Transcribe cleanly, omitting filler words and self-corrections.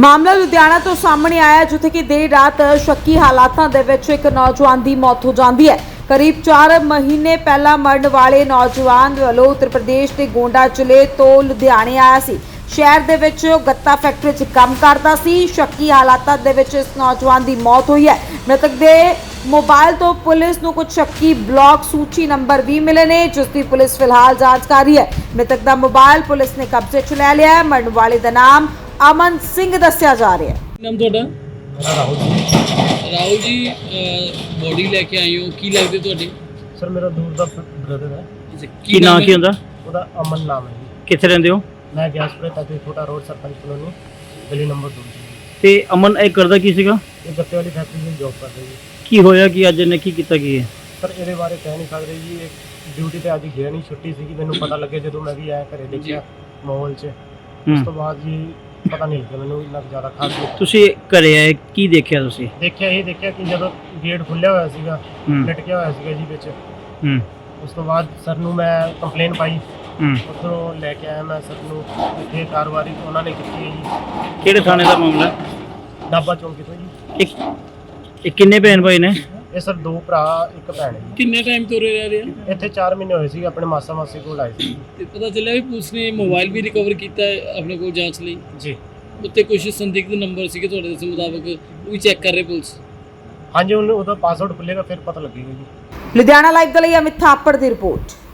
ਮਾਮਲਾ ਲੁਧਿਆਣਾ ਤੋਂ ਸਾਹਮਣੇ ਆਇਆ ਜਿੱਥੇ ਕਿ ਦੇਰ ਰਾਤ ਸ਼ੱਕੀ ਹਾਲਾਤਾਂ ਦੇ ਵਿੱਚ ਇੱਕ ਨੌਜਵਾਨ ਦੀ ਮੌਤ ਹੋ ਜਾਂਦੀ ਹੈ। ਕਰੀਬ 4 ਮਹੀਨੇ ਪਹਿਲਾਂ ਮਰਨ ਵਾਲੇ ਨੌਜਵਾਨ ਵੱਲੋਂ ਉੱਤਰ ਪ੍ਰਦੇਸ਼ ਦੇ ਗੋਂਡਾ ਜ਼ਿਲ੍ਹੇ ਤੋਂ ਲੁਧਿਆਣੇ ਆਇਆ ਸੀ। ਸ਼ਹਿਰ ਦੇ ਵਿੱਚ ਗੱਤਾ ਫੈਕਟਰੀ 'ਚ ਕੰਮ ਕਰਦਾ ਸੀ। ਸ਼ੱਕੀ ਹਾਲਾਤਾਂ ਦੇ ਵਿੱਚ ਇਸ ਨੌਜਵਾਨ ਦੀ ਮੌਤ ਹੋਈ ਹੈ। ਮ੍ਰਿਤਕ ਦੇ मोबाइल तो पुलिस को कुछ शक्की ब्लॉक सूची नंबर भी मिले ने जिसकी पुलिस फिलहाल जांच कर रही है। मृतक का मोबाइल पुलिस ने कब्जे च ले लिया है। मरण वाले का नाम अमन सिंह दस्या जा रहा है। नाम थोड़ा राहुल जी बॉडी लेके आए हो की लगते ਤੁਹਾਡੇ? सर मेरा दूर का ब्रदर है। ਕੀ ਨਾਮ ਕੀ ਹੁੰਦਾ? ਉਹਦਾ ਅਮਨ ਨਾਮ ਹੈ ਜੀ। ਕਿੱਥੇ ਰਹਿੰਦੇ ਹੋ? ਮੈਂ ਗਿਆਸਪੁਰੇ ਤੱਕ ਛੋਟਾ ਰੋਡ ਸਰਪੰਚ ਕਲੋਨੀ ਗਲੀ ਨੰਬਰ 2। ਤੇ ਅਮਨ ਇਹ ਕਰਦਾ ਕੀ ਸੀਗਾ? ਇਹ ਗੱਤੇ ਵਾਲੀ ਫੈਕਟਰੀ ਵਿੱਚ ਜੌਬ ਕਰਦਾ ਜੀ। ਕੀ ਹੋਇਆ ਕਿ ਅੱਜ ਇਹਨੇ ਕੀ ਕੀਤਾ ਕੀ ਹੈ? ਸਰ ਇਹਦੇ ਬਾਰੇ ਕਹਿ ਨਹੀਂ ਸਕਦੇ ਜੀ। ਇਹ ਡਿਊਟੀ ਤੇ ਅੱਜ ਗਿਆ ਨਹੀਂ, ਛੁੱਟੀ ਸੀਗੀ। ਮੈਨੂੰ ਪਤਾ ਲੱਗੇ ਜਦੋਂ ਮੈਂ ਵੀ ਆਇਆ ਘਰੇ ਦੇਖਿਆ ਮਾਹੌਲ 'ਚ। ਉਸ ਤੋਂ ਬਾਅਦ ਜੀ ਪਤਾ ਨਹੀਂ ਲੱਗਿਆ ਮੈਨੂੰ ਇੰਨਾ ਜ਼ਿਆਦਾ ਖਾਸ। ਤੁਸੀਂ ਘਰੇ ਆਏ ਕੀ ਦੇਖਿਆ ਤੁਸੀਂ? ਦੇਖਿਆ ਕਿ ਜਦੋਂ ਗੇਟ ਖੁੱਲਿਆ ਹੋਇਆ ਸੀਗਾ, ਲਟਕਿਆ ਹੋਇਆ ਸੀਗਾ ਜੀ ਵਿੱਚ। ਉਸ ਤੋਂ ਬਾਅਦ ਸਰ ਨੂੰ ਮੈਂ ਕੰਪਲੇਨ ਪਾਈ। ਉੱਥੋਂ ਲੈ ਕੇ ਆਇਆ ਮੈਂ ਸਰ ਨੂੰ। ਇੱਥੇ ਕਾਰਵਾਈ ਉਹਨਾਂ ਨੇ ਕੀਤੀ ਹੈ ਜੀ। ਕਿਹੜੇ ਥਾਣੇ ਦਾ ਮਾਮਲਾ? ਨਾਭਾ ਚੌਂਕੀ ਤੋਂ ਜੀ। ਇਹ ਕਿੰਨੇ ਭੈਣ ਭਾਈ ਨੇ? ਇਹ ਸਰ 2 ਭਰਾ 1 ਭੈਣ ਹੈ ਜੀ। ਕਿੰਨੇ ਟਾਈਮ ਤੋਂ ਰਹਿ ਰਹੇ ਆ ਇੱਥੇ 4 ਮਹੀਨੇ ਹੋਏ ਸੀ। ਆਪਣੇ ਮਾਸਾ ਮਾਸੀ ਕੋਲ ਆਏ ਸੀ ਤੇ ਪਤਾ ਚੱਲਿਆ ਵੀ ਪੁਲਿਸ ਨੇ ਮੋਬਾਈਲ ਵੀ ਰਿਕਵਰ ਕੀਤਾ ਹੈ ਆਪਣੇ ਕੋਲ ਜਾਂਚ ਲਈ ਜੀ। ਉੱਤੇ ਕੁਝ ਸੰਦਿਗਧ ਨੰਬਰ ਸੀਗੇ ਤੁਹਾਡੇ ਦੱਸਣ ਮੁਤਾਬਕ, ਉਹ ਵੀ ਚੈੱਕ ਕਰ ਰਹੇ ਪੁਲਿਸ। ਹਾਂਜੀ, ਉਹਦਾ ਪਾਸਵਰਡ ਖੁੱਲੇਗਾ ਫਿਰ ਪਤਾ ਲੱਗੇਗਾ ਜੀ। ਲੁਧਿਆਣਾ ਲਾਈਵ ਦੇ ਲਈ ਅਮਿਤ ਥਾਪੜ ਦੀ ਰਿਪੋਰਟ।